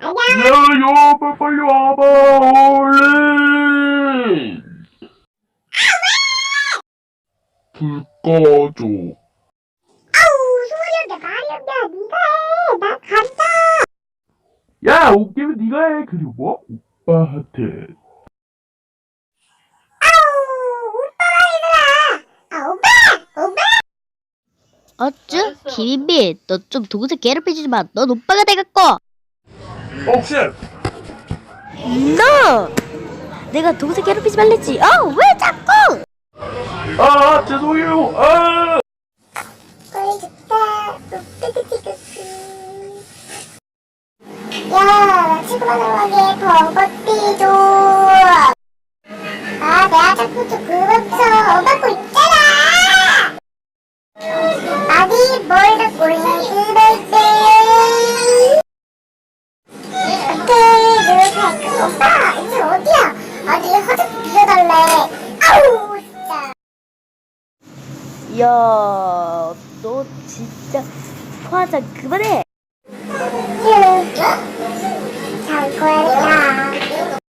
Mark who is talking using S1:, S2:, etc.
S1: 야, 빨리 와봐, 얼른! 불 꺼줘.
S2: 아우, 소리 없냐, 말이 없냐, 니가 해. 나 간다.
S1: 야, 웃기면 네가 해. 그리고 오빠한테.
S2: 아우, 오빠가 해라. 아, 오빠!
S3: 어쭈? 김인비, 너 좀 동생 괴롭히지 마. 넌 오빠가 돼갖고.
S1: 옥션!
S3: 너! 내가 동생 괴롭히지 말랬지. 왜 자꾸?
S1: 아, 죄송해요. 아!
S2: 꿀 좋다. 야, 나 친구 만나러 가게 버거띠 줘. 아, 내가 자꾸 좀 그만 쳐. 엄마 거 있잖아. 아니, 뭘 자꾸 해그럴 때. 오케이, 그렇게 할까? 오빠, 이제 어디야? 아니, 화장 빌려달래. 아우, 진짜.
S3: 야, 너 진짜 화장 그만해.
S2: 자, 고양이